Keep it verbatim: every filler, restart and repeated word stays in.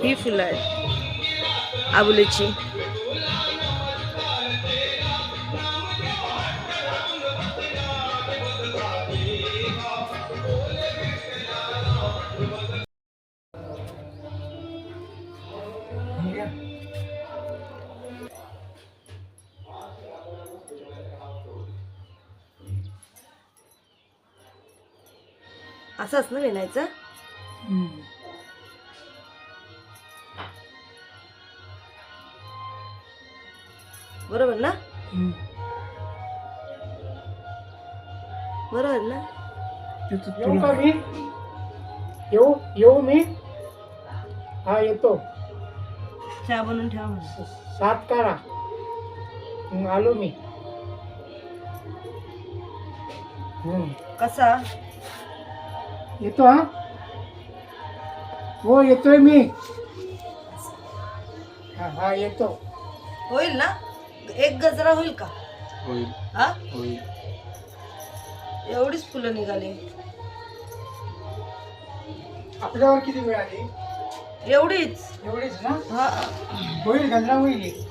ही फुलं आहेत आबुलीची. असंच ना विणायचं. बरोबर ना. बरोबर ना. येऊ का मी? येऊ येऊ मी? हा येतो. चहा बनवून ठेवा म्हणा. सात करा. मग आलो मी. हम्म. कसा येतो हा. हो येतोय मी. हा हा येतो. होईल ना. एक गजरा होईल का? होईल हा होईल. एवढीच फुलं निघाली. आपल्यावर किती वेळ आली? एवढीच. एवढीच ना. हा होईल गजरा होईल.